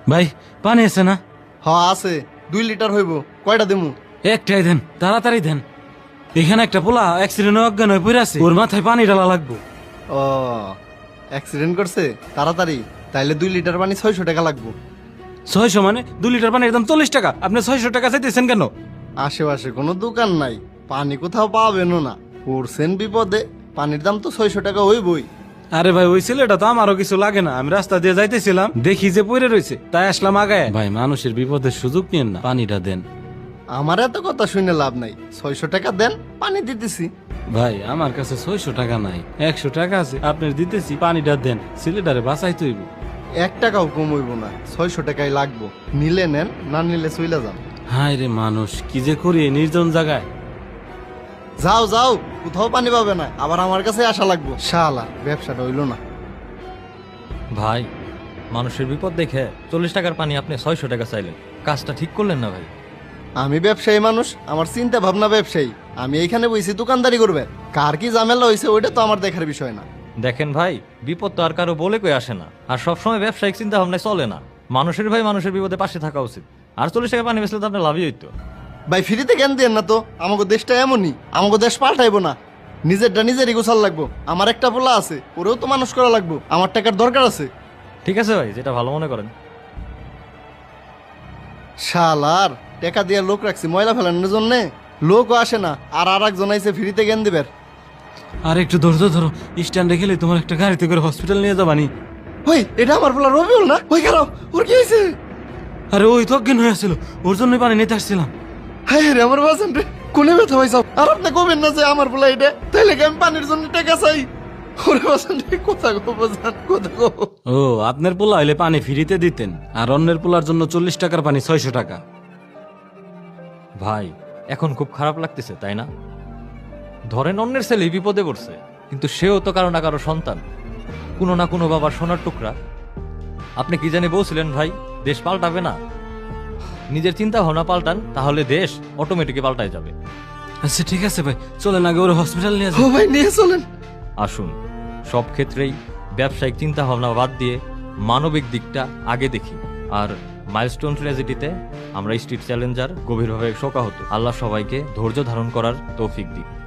ভাই পানি আছে না? আছে 2 লিটার হইব। কয়টা দিমু? একটাই দেন, তাড়াতাড়ি দেন। এখানে একটা পোলা অ্যাক্সিডেন্ট অজ্ঞান হয়ে পড়ে আছে, ওর মাথায় পানি ঢালা লাগবো। ও অ্যাক্সিডেন্ট করছে? তাড়াতাড়ি তাইলে 2 লিটার পানি 600 টাকা লাগবো। 600 মানে 2 লিটার পানির দাম 40 টাকা, আপনি 600 টাকা চাইতেছেন কেন? আশেপাশে কোনো দোকান নাই, পানি কোথাও পাবেনও না, পড়ছেন বিপদে, পানির দাম তো 600 টাকা হইবই। আরে ভাই ওই ছেলেটা তো আমারও কিছু লাগে না, আমি রাস্তা দিয়ে যাইতেছিলাম দেখি যে পড়ে রয়েছে তাই আসলাম আগায়। ভাই মানুষের বিপদের সুযোগ নিয়েন না, পানিটা দেন। আমার এত কথা শুনে লাভ নাই, 600 টাকা দেন, পানি দিতেছি। ভাই আমার কাছে 600 টাকা নাই, 100 টাকা আছে, আপনার দিতেছি, পানিটা দেন, ছেলেটারে বাঁচাই তৈব। 1 টাকাও কম হইব না, 600 টাকাই লাগবো। নিলে নেন, না নিলে চইলা যান। হায় রে মানুষ, কি যে করি এই নির্জন জায়গায়। যাও যাও, কোথাও পানি পাবে না, আবার আমার কাছে আসা লাগবো। শালা ব্যবসাটা হইলো না। ভাই মানুষের বিপদ দেখে 40 টাকার পানি আপনি 600 টাকা চাইলেন, কাজটা ঠিক করলেন না ভাই। আমি ব্যবসায়ী মানুষ, আমার চিন্তা ভাবনা ব্যবসায়ী, আমি এইখানে বইছি দোকানদারি করবে। কার কি ঝামেলা হয়েছে ওইটা তো আমার দেখার বিষয় না। দেখেন ভাই, বিপদ তো আর কারো বলে কই আসে না, আর সবসময় ব্যবসায়িক চিন্তা ভাবনায় চলে না। মানুষের ভাই মানুষের বিপদে পাশে থাকা উচিত। আর 40 টাকা পানি বেচলে তো আপনার লাভই হইতো। ভাই ফ্রিতে জ্ঞান দেন না তো, আমাকে দেশটা এমনই, আমাকে দেশ পাল্টাইবো না, নিজেরটা নিজেরই গোছাল লাগবো। আমার একটা পোলা আছে, ওরেও তো মানুষ করা লাগবো, আমার টাকার দরকার আছে। ঠিক আছে ভাই, যেটা ভালো মনে করেন। শালার টাকা দিয়ে লোক রাখছি ময়লা ফেলানোর জন্যে, লোকও আসে না, আর একজন আইসে ফ্রিতে জ্ঞান দিবের। আর একটু ধৈর্য ধরো, স্ট্যান্ডে গেলে তোমার একটা গাড়িতে করে হসপিটাল নিয়ে যাবানি। ওই এটা আমার পোলা রবিউল না? ওই খারাপ, ওর কি হয়েছে? আরে ওই তো অজ্ঞান হয়ে আসছিল, ওর জন্যই পানি নিতে আসছিলাম। হ্যাঁ রে আমার বাসন রে, কোনে ব্যথা হয়েছে? আর আপনি কবেন না যে আমার পোলা এটা, তাইলে কি আমি পানির জন্য টাকা চাই? ওরে বাসন রে, কোথা গো বাজান, কোথা গো? ও আপনার পোলা হইলে পানি ফ্রিতে দিতেন, আর অন্যের পোলার জন্য 40 টাকার পানি 600 টাকা। ভাই এখন খুব খারাপ লাগতেছে তাই না? ধরেন অন্যের ছেলে বিপদে পড়ছে, কিন্তু সেও তো কারো না কারো সন্তান, কোনো না কোনো বাবার সোনার টুকরা। আপনি কি জানি বলছিলেন ভাই, দেশ পাল্টাবে না? নিজের চিন্তা ভাবনা পাল্টান, তাহলে দেশ অটোমেটিক পাল্টায় যাবে। আচ্ছা ঠিক আছে ভাই, চলেন আগে ওর হসপিটাল নিয়ে ও যাই। ভাই নিয়ে চলেন। আসুন, সব ক্ষেত্রেই ব্যবসায়িক চিন্তা ভাবনা বাদ দিয়ে মানবিক দিকটা আগে দেখি। আর মাইলস্টোন ট্র্যাজেডিতে আমরা স্ট্রিট চ্যালেঞ্জার গভীরভাবে শোকাহত। আল্লাহ সবাইকে ধৈর্য ধারণ করার তৌফিক দিক।